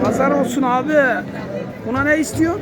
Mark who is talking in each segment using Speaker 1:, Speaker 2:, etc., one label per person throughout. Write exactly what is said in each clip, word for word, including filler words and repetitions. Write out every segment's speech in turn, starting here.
Speaker 1: Pazar olsun abi. Buna ne istiyorsun?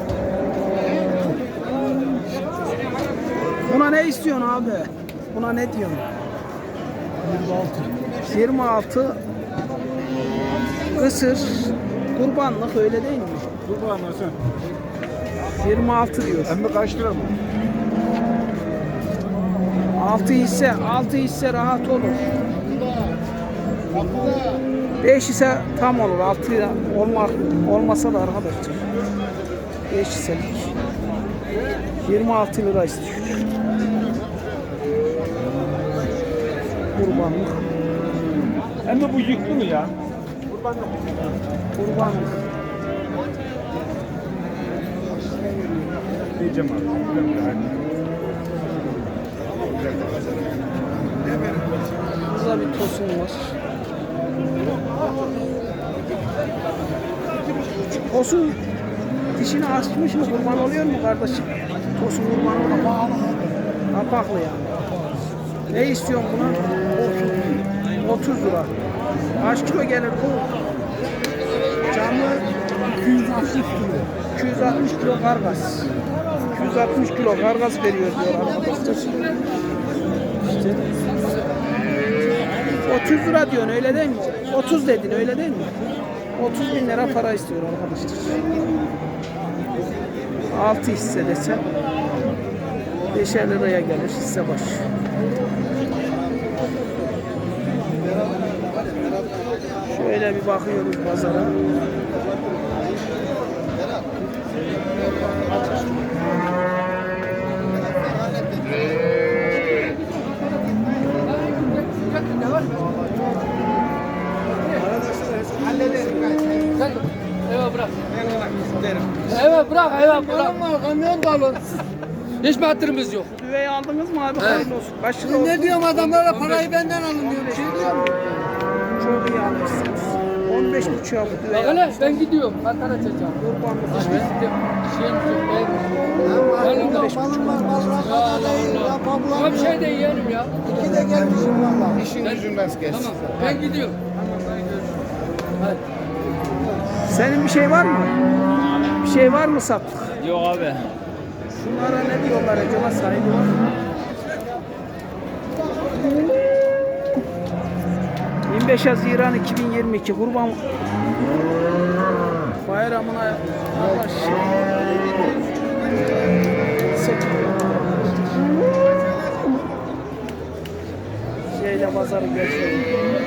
Speaker 1: Buna ne istiyorsun abi? Buna ne diyorsun?
Speaker 2: yirmi altı.
Speaker 1: yirmi altı. Kısır. Kurbanlık öyle değil mi?
Speaker 2: Kurban nasıl?
Speaker 1: yirmi altı diyor.
Speaker 2: Hem de kaç lira mı?
Speaker 1: altı hisse, altı hisse rahat olur. beş ise tam olur. altı olmak olmasa da arkadaşlar. beş hisselik. yirmi altı lira istiyor. Kurbanlık.
Speaker 2: Hem de bu yüklü mü ya?
Speaker 1: Kurbanlık. Kurbanlık.
Speaker 2: Diyeceğim abi.
Speaker 1: Burada bir tosun var. Tosun dişini açmış mı kurban oluyor mu kardeşim? Tosun kurban oluyor mu? Kapaklı yani. Ne istiyorsun buna? otuz lira. Kaç kilo gelir bu? Canlı
Speaker 2: iki yüz altmış kilo.
Speaker 1: iki yüz altmış kilo kargas. iki yüz altmış kilo kargas veriyor diyor arkadaşlar. İşte otuz lira diyorsun öyle değil mi? otuz dedin öyle değil mi? otuz bin lira para istiyor arkadaşlar. altı hisse desem beşer liraya gelir hisse başı. Şöyle bir bakıyoruz pazara.
Speaker 3: Evet bırak. Evet bırak, evet bırak. Kamyon da alın. Hiç mi hatırımız yok?
Speaker 1: Düveyi aldınız mı abi? Hayırlı olsun. Kaç lira oldu?
Speaker 3: Ne diyorum adamlara parayı benden alın diyor. Bir şey diyor mu?
Speaker 1: Çok iyi almışsınız. on beş buçuğa bu düveyi
Speaker 3: Bak hele
Speaker 1: almışsınız.
Speaker 3: ben gidiyorum. Kantar açacağım.
Speaker 1: Kurbanlık
Speaker 3: Ben
Speaker 1: işte.
Speaker 3: gidiyorum. Şey yok. Ben
Speaker 1: on beş buçuk.
Speaker 3: Ya Allah Allah. Bir şey de yiyelim ya.
Speaker 2: İki de gelmişim valla. İşin gücün rast gelsin.
Speaker 3: Tamam. Ben gidiyorum. Hadi.
Speaker 1: Senin bir şey var mı? Bir şey var mı sattık?
Speaker 4: Yok abi.
Speaker 1: Şunlara ne diyorlar acaba, sahibi var mı? yirmi beş Haziran iki bin yirmi iki Kurban Bayramı'na yavaş şeyle pazarı geçiyor.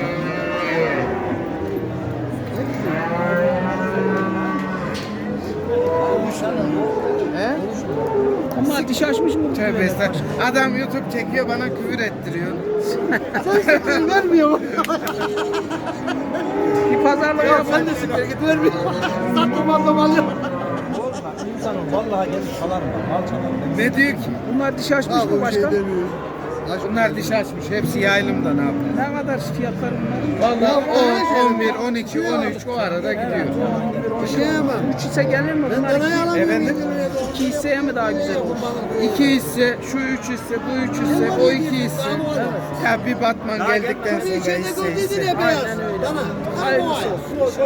Speaker 2: He?
Speaker 1: Ama diş açmış mı?
Speaker 2: Tövbe estağfurullah. Adam YouTube çekiyor bana küfür ettiriyor.
Speaker 3: Sen vermiyor.
Speaker 1: Bir pazarlık
Speaker 3: Ya
Speaker 1: yap.
Speaker 3: sen de siktir git vermiyor. Sattım aldım alıyorum.
Speaker 4: İnsanım vallahi gelip salarım. Mal çalarım.
Speaker 2: Ne diyor ki?
Speaker 1: Bunlar diş açmış mı başkan?
Speaker 2: Bunlar diş açmış. Hepsi yaylımda ne yapıyor?
Speaker 1: Ne kadar fiyatları bunlar?
Speaker 2: Vallahi on, on bir, on iki, on üç o arada gidiyor.
Speaker 1: Bir şey ama. üç hisse gelir mi? Bunlar iki,
Speaker 2: Efendim?
Speaker 1: iki hisseye mi daha güzel olur?
Speaker 2: İki hisse, şu üç hisse, bu üç hisse, o iki hisse. Ya bir Batman geldikten sonra hisse hisse.
Speaker 1: Aynen öyle. Hayırlısı olsun.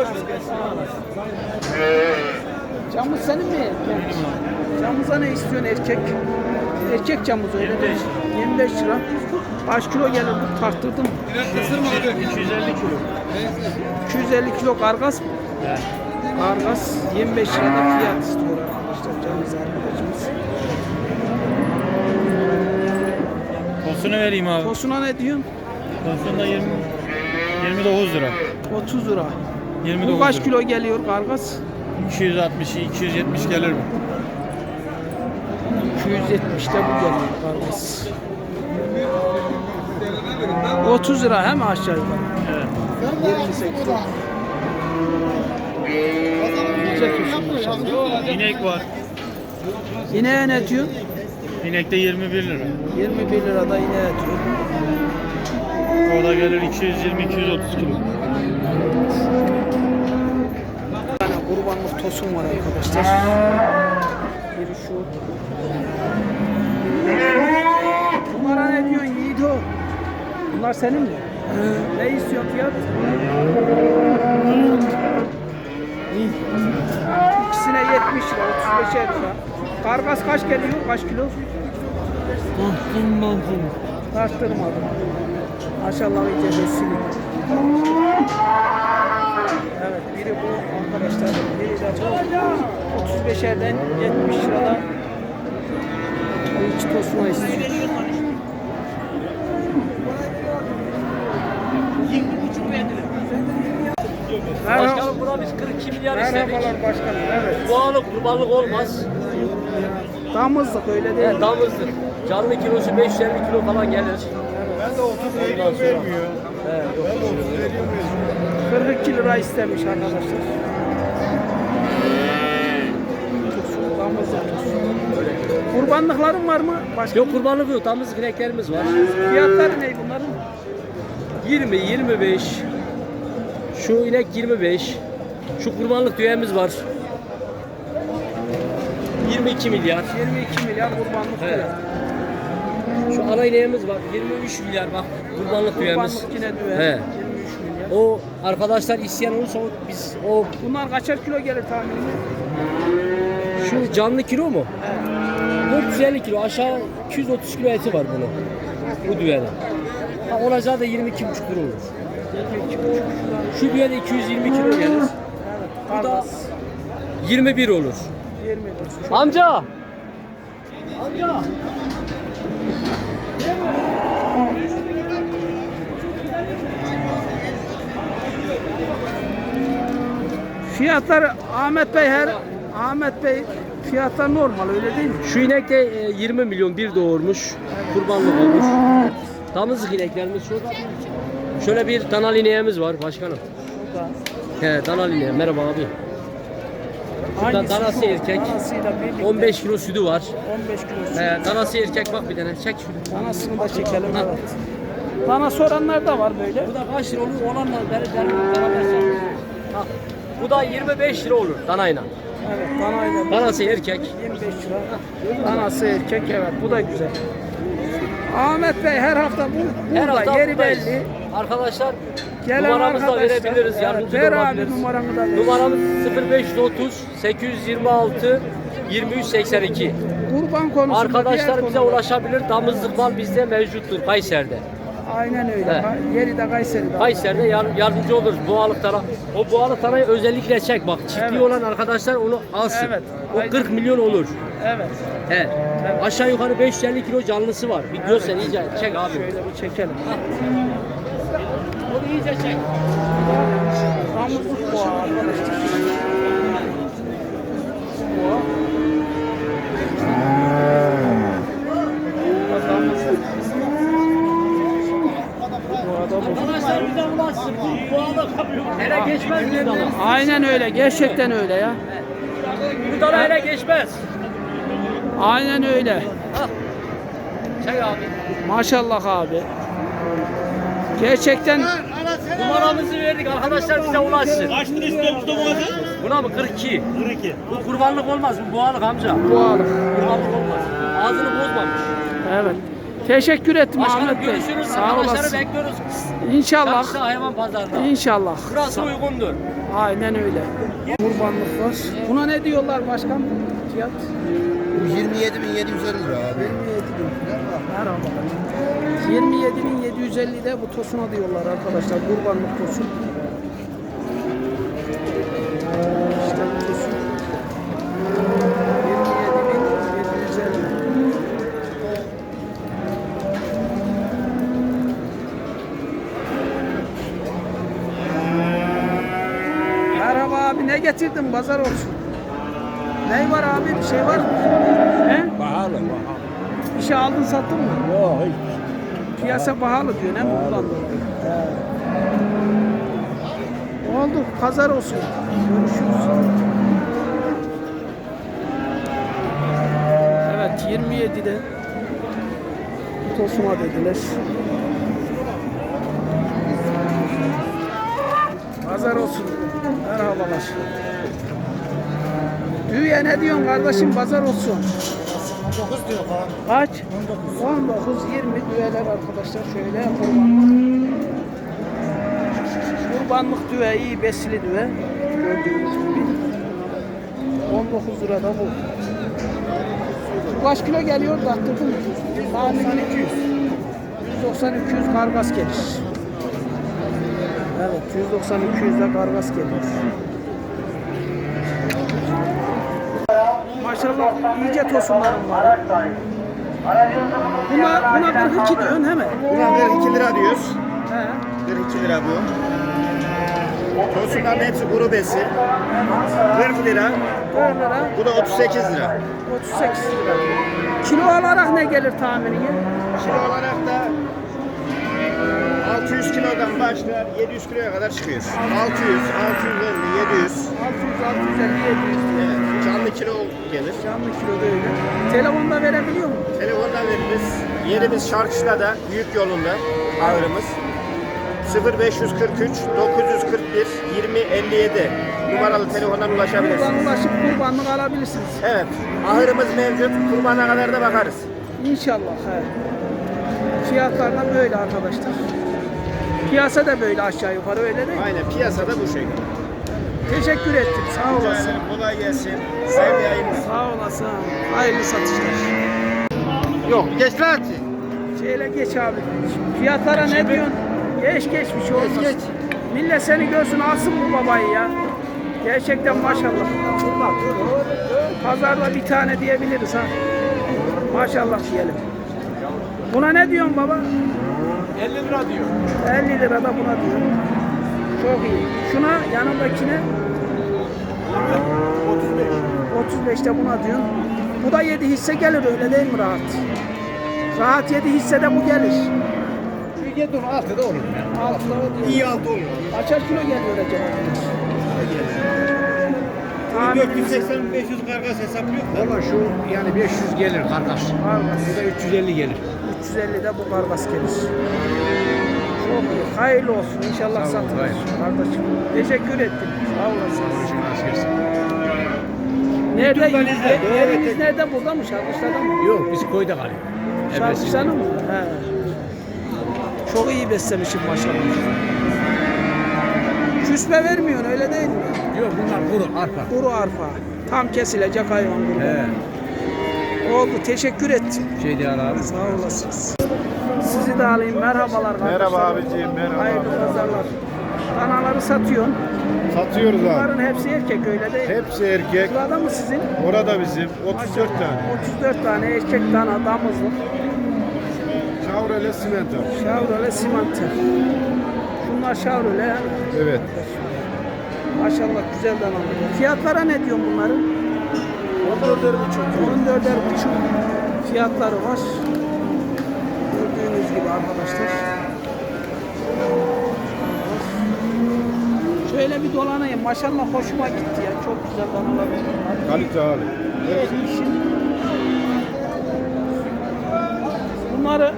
Speaker 1: Camız senin mi? Camıza ne istiyorsun erkek? Erkek camız öyle değil. yirmi beş lira. Kaç kilo gelir bu? Tarttırdım.
Speaker 4: iki yüz elli kilo.
Speaker 1: iki yüz elli kilo kargas mı?
Speaker 4: Evet.
Speaker 1: Kargas yirmi beş lirada fiyat istiyor arkadaşlar. Camız arkadaşımız.
Speaker 4: Tosunu vereyim abi.
Speaker 1: Tosuna ne diyorsun?
Speaker 4: Tosun da yirmi, yirmi dokuz lira.
Speaker 1: otuz lira.
Speaker 4: yirmi
Speaker 1: Bu
Speaker 4: dokuz
Speaker 1: kaç
Speaker 4: lira.
Speaker 1: kilo geliyor kargas?
Speaker 4: iki yüz altmış, iki yüz yetmiş gelir mi?
Speaker 1: iki yüz yetmişte bu geliyor kargas. otuz lira hem aşağı yukarı.
Speaker 4: Evet.
Speaker 1: yirmi sekiz. Güzel tosun maşallah.
Speaker 4: İnek var.
Speaker 1: İneğe ne diyorsun?
Speaker 4: İnek de yirmi bir lira.
Speaker 1: yirmi bir lirada ineğe diyor.
Speaker 4: O da gelir iki yüz yirmi, iki yüz otuz kilo.
Speaker 1: Bir tane kurbanlık tosun var arkadaşlar. Biri şu. Bunlara ne diyorsun Yiğido? Bunlar senin mi? Ne istiyor fiyat? beşer lira. Kargas kaç geliyor? Kaç kilo? Tarttırmadım. Maşallah iyice besili. Evet, biri bu arkadaşlar. Biri de bu. otuz beşerden yetmiş lirada. Bu iki tosuna istiyor. Merhaba.
Speaker 3: Başkanım buna biz kırk iki milyar istedik.
Speaker 1: Merhabalar başkanım. Evet.
Speaker 3: Boğalık kurbanlık olmaz.
Speaker 1: Damızlık öyle değil.
Speaker 3: Yani damızlık. Canlı kilosu beş yüz elli kilo falan gelir.
Speaker 2: Ben de otuz veriyorum vermiyor.
Speaker 3: Evet, yok.
Speaker 2: Ben de otuz veriyorum vermiyor.
Speaker 1: kırk iki lira istemiş arkadaşlar. Damızlık. Kurbanlıkların var mı? Başka
Speaker 3: Yok kurbanlık yok. Damızlık ineklerimiz var.
Speaker 1: fiyatları ne bunların?
Speaker 3: yirmi, yirmi beş. Şu inek yirmi beş. Şu kurbanlık düğemiz var. yirmi iki milyar.
Speaker 1: yirmi iki milyar kurbanlık
Speaker 3: Evet.
Speaker 1: diyor.
Speaker 3: Şu ana ineğimiz var. yirmi üç milyar bak kurbanlık düğemiz.
Speaker 1: Kurbanlık yine düve.
Speaker 3: He.
Speaker 1: yirmi üç milyar.
Speaker 3: O arkadaşlar isteyen olursa o, biz o
Speaker 1: Bunlar kaçar kilo gelir tahmini?
Speaker 3: şu canlı kilo mu? dört yüz elli kilo aşağı iki yüz otuz kilo eti var bunun. Bu düğede. Ha, olacağı da yirmi iki buçuk lira olur. Şu düğede iki yüz yirmi kilo gelir. Bu da
Speaker 1: Kargas
Speaker 3: yirmi bir olur.
Speaker 1: yirmi bir. Çok
Speaker 3: Amca! Amca!
Speaker 1: Fiyatlar Ahmet Bey her Ahmet Bey fiyatlar normal öyle değil mi?
Speaker 3: Şu inek de e, yirmi milyon bir doğurmuş. Kurbanlık olmuş. Damızlık ineklerimiz şurada. Şöyle bir danal ineğimiz var başkanım.
Speaker 1: Şurada.
Speaker 3: He danal ineği. Merhaba abi. Şurada
Speaker 1: Hangisi
Speaker 3: danası
Speaker 1: şu?
Speaker 3: erkek.
Speaker 1: Danasıyla birlikte
Speaker 3: on beş kilo sütü var.
Speaker 1: on beş kilo.
Speaker 3: He danası erkek bak bir tane. Çek şunu.
Speaker 1: Danasını da çekelim evet. Dana soranlar da var böyle.
Speaker 3: Bu da kaç lira olur? Olanla beri beri beraber satıyoruz. Ha. Bu da yirmi beş lira olur danayla.
Speaker 1: Evet danayla
Speaker 3: Danası erkek.
Speaker 1: yirmi beş lira. Danası erkek evet bu da güzel. Ahmet Bey her hafta bu
Speaker 3: Her
Speaker 1: burada
Speaker 3: hafta
Speaker 1: yeri
Speaker 3: buradayız.
Speaker 1: belli.
Speaker 3: Arkadaşlar
Speaker 1: Gelen
Speaker 3: numaramızı da
Speaker 1: arkadaşlar,
Speaker 3: verebiliriz.
Speaker 1: evet,
Speaker 3: Yardımcı
Speaker 1: ver
Speaker 3: da
Speaker 1: abi
Speaker 3: olabiliriz.
Speaker 1: numaranı da ver.
Speaker 3: Numaramız sıfır beş otuz sekiz yüz yirmi altı yirmi üç seksen iki.
Speaker 1: Kurban konusunda
Speaker 3: Arkadaşlar
Speaker 1: diğer
Speaker 3: bize
Speaker 1: konular-
Speaker 3: ulaşabilir. Damızlık mal bizde mevcuttur Kayseri'de.
Speaker 1: Aynen öyle.
Speaker 3: Evet.
Speaker 1: Ha, Yeri de Kayseri'de.
Speaker 3: Kayseri'de yar- yardımcı oluruz boğalık tara. O boğalık tarayı özellikle çek bak. Çiftliği
Speaker 1: Evet.
Speaker 3: olan arkadaşlar onu alsın.
Speaker 1: Evet.
Speaker 3: O
Speaker 1: Aynen.
Speaker 3: kırk milyon olur.
Speaker 1: Evet.
Speaker 3: He. Aşağı yukarı beş yüz elli kilo canlısı var. Bir görsen iyice çek abi.
Speaker 1: Şöyle bir çekelim.
Speaker 3: Onu iyice çek.
Speaker 1: Damızlık boğa arkadaşlar. Boğa. Bu da damızlık. Boğa da bu.
Speaker 3: Arkadaşlar bize ulaşsın. Bu boğalık ele geçmez bir dana.
Speaker 1: Aynen öyle. Gerçekten öyle ya.
Speaker 3: Bu dana ele geçmez.
Speaker 1: Aynen öyle.
Speaker 3: Ha. Çek abi.
Speaker 1: Maşallah abi. Gerçekten
Speaker 3: Numaramızı verdik arkadaşlar bize ulaşsın.
Speaker 4: Kaç lira istiyor Mustafa Hoca?
Speaker 3: Buna mı kırk iki?
Speaker 4: kırk iki.
Speaker 3: Bu kurbanlık olmaz bu boğalık amca.
Speaker 1: boğalık.
Speaker 3: Kurbanlık olmaz. Ağzını bozmamış.
Speaker 1: Evet. Teşekkür ettim
Speaker 3: Başkanım
Speaker 1: Ahmet Bey.
Speaker 3: görüşürüz.
Speaker 1: Sağ
Speaker 3: Arkadaşları
Speaker 1: olasın.
Speaker 3: bekliyoruz.
Speaker 1: İnşallah.
Speaker 3: Çarşıda hayvan pazarında.
Speaker 1: İnşallah.
Speaker 3: Burası uygundur.
Speaker 1: Aynen öyle. Kurbanlık var. Buna ne diyorlar başkan? Fiyat?
Speaker 2: yirmi yedi bin yedi yüz elli lira abi.
Speaker 1: yirmi yedi bin. Merhaba. yirmi yedi bin yedi yüz elli de bu tosuna diyorlar arkadaşlar. Kurbanlık tosun. İşte bu tosun. yirmi yedi bin yedi yüz elli. Merhaba abi ne getirdin pazar olsun. Ne var abi bir şey var mı? He?
Speaker 2: Pahalı pahalı.
Speaker 1: Bir şey aldın sattın mı?
Speaker 2: Yok hiç.
Speaker 1: Piyasa pahalı diyor ne mi buradan dolayı? Oldu pazar olsun. Görüşürüz. Evet yirmi yedide tosuma dediler. Pazar olsun. Merhabalar. Düğüye ne diyorsun kardeşim pazar olsun.
Speaker 2: dokuz diyor falan.
Speaker 1: Kaç? on dokuz yirmi düveler arkadaşlar şöyle kurbanlık. Kurbanlık düve iyi besili düve. Gördüğünüz gibi. on dokuz lira da bu. Bu kaç kilo geliyor da attırdın mı? Tahmini iki yüz. yüz doksan iki yüz kargas gelir. Evet, yüz doksan iki yüz de kargas geliyor. Maşallah iyice tosunlarım var. Buna, buna kırk iki diyorsun hemen.
Speaker 5: Buna kırk iki lira diyoruz.
Speaker 1: He.
Speaker 5: kırk iki lira bu. Tosunların hepsi kuru besi. kırk lira.
Speaker 1: on lira.
Speaker 5: Bu da otuz sekiz lira.
Speaker 1: otuz sekiz lira. Kilo olarak ne gelir tahmini?
Speaker 5: Kilo olarak da altı yüz kilodan başlar yedi yüz kiloya kadar çıkıyor. altı yüz, altı yüz elli, yedi yüz.
Speaker 1: altı yüz, altı yüz elli, yedi yüz.
Speaker 5: Evet, canlı kilo gelir.
Speaker 1: Canlı kilo da öyle. Telefonda verebiliyor mu?
Speaker 5: Telefondan veririz. Yerimiz Şarkışla'da, Büyük Yolunda ağırımız. sıfır beş yüz kırk üç dokuz yüz kırk bir yirmi elli yedi numaralı telefondan ulaşabilirsiniz.
Speaker 1: Buradan ulaşıp kurbanlık alabilirsiniz.
Speaker 5: Evet, ahırımız mevcut. Kurbana kadar da bakarız.
Speaker 1: İnşallah. He. Fiyatlar da böyle arkadaşlar. Piyasa da böyle aşağı yukarı öyle değil mi?
Speaker 5: Aynen, piyasada bu şekilde.
Speaker 1: Teşekkür ettim. Sağ olasın.
Speaker 5: Yani kolay gelsin. Sevgi yayınlar.
Speaker 1: Sağ olasın. Hayırlı satışlar.
Speaker 5: Yok, geç lan.
Speaker 1: Şöyle geç abi. Fiyatlara ne diyorsun? Geç geç bir şey olmaz.
Speaker 5: geç.
Speaker 1: Millet seni görsün alsın bu babayı ya. Gerçekten maşallah. Pazarda bir tane diyebiliriz ha. Maşallah diyelim. Buna ne diyorsun baba?
Speaker 5: elli lira diyor.
Speaker 1: elli lira da buna diyor. Çok iyi. Şuna yanındakine
Speaker 5: otuz beş.
Speaker 1: otuz beşte buna diyor. Bu da yedi hisse gelir öyle değil mi rahat? Rahat yedi hisse de bu gelir.
Speaker 5: yedi on altı da olur.
Speaker 1: Altıda o diyor.
Speaker 5: İyi altı olur.
Speaker 1: Kaçar kilo geliyor acaba?
Speaker 5: dört yüz seksen beş yüz kargas hesaplıyor.
Speaker 6: Valla şu yani beş yüz gelir kardeş.
Speaker 1: Kargas.
Speaker 6: Bu da üç yüz elli gelir.
Speaker 1: üç yüz elli de bu kargas gelir. Çok iyi. Hayırlı olsun. İnşallah
Speaker 6: Sağ olun,
Speaker 1: satılır.
Speaker 6: hayır.
Speaker 1: Kardeşim. Teşekkür ettim. Sağ olasın.
Speaker 6: Konuşun az gelsin.
Speaker 1: Nerede?
Speaker 6: YouTube'dan izle,
Speaker 1: Ye-
Speaker 6: doğru
Speaker 1: Yeriniz
Speaker 6: öteki.
Speaker 1: nerede? Burada mı? Şarkışlarda mı?
Speaker 6: Yok biz koyda kalıyor.
Speaker 1: Şarkışlarda mı? He. Çok iyi beslemişim maşallah. Küsme vermiyorsun öyle değil mi?
Speaker 6: Yok bunlar kuru arpa.
Speaker 1: Kuru arpa. Tam kesilecek hayvan kuru.
Speaker 6: He.
Speaker 1: Oldu. Teşekkür ettim.
Speaker 6: Şey değil abi.
Speaker 1: Sağ olasınız. Sizi de alayım. Merhabalar.
Speaker 5: Merhaba
Speaker 1: kardeşlerim.
Speaker 5: abiciğim, merhaba.
Speaker 1: Hayırlı pazarlar. Danaları satıyorsun.
Speaker 5: Satıyoruz abi.
Speaker 1: Bunların hepsi erkek öyle değil mi?
Speaker 5: Hepsi erkek.
Speaker 1: Şurada mı sizin?
Speaker 5: Orada bizim otuz dört tane.
Speaker 1: otuz dört tane erkek dana damızlık.
Speaker 5: Chevrolet Simento.
Speaker 1: Chevrolet Simante. Şunlar Chevrolet yani.
Speaker 5: Evet.
Speaker 1: Maşallah güzel danalar. Fiyatlara ne diyorsun bunların?
Speaker 5: on dörder buçuk.
Speaker 1: on dörder buçuk fiyatları var. Gördüğünüz gibi arkadaşlar. Şöyle bir dolanayım. Maşallah hoşuma gitti ya. Çok güzel danalar bunlar.
Speaker 5: Kalite abi.
Speaker 1: Evet, işin. Bunları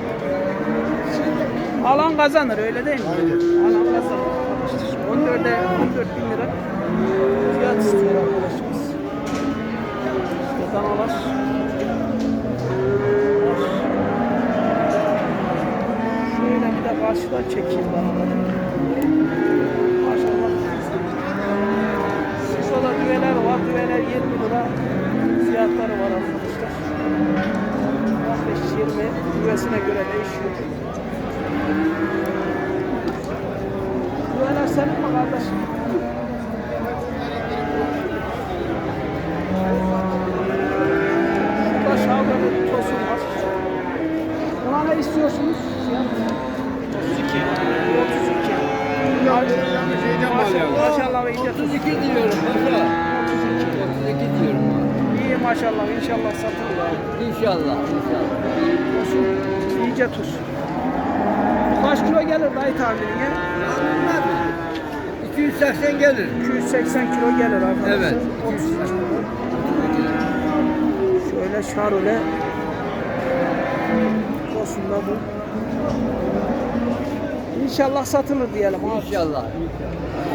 Speaker 1: alan kazanır öyle değil mi?
Speaker 5: Aynen.
Speaker 1: Alan kazanır arkadaşlar. on dörde on dört bin lira fiyat istiyor arkadaşımız. İşte danalar. Şöyle bir de karşıdan çekeyim danaları. Maşallah. Şurada düveler var. Düveler yirmi lira fiyatları var arkadaşlar. on beş yirmi düvesine göre değişiyor. Düveler senin mi kardeşim? Şurada şavga bir tosun var. Buna ne istiyorsunuz? otuz iki. otuz iki. Maşallah, maşallah iyice otuz iki diyorum. otuz iki. otuz iki diyorum. İyi maşallah inşallah satılır abi.
Speaker 3: İnşallah. İnşallah.
Speaker 1: Olsun. İyice tuz. Kaç kilo gelir dayı tahminine?
Speaker 6: iki yüz seksen gelir.
Speaker 1: iki yüz seksen kilo gelir arkadaşlar.
Speaker 6: Evet.
Speaker 1: otuz iki. Şöyle şarole. Olsun da bu. İnşallah satılır diyelim abi.
Speaker 3: İnşallah.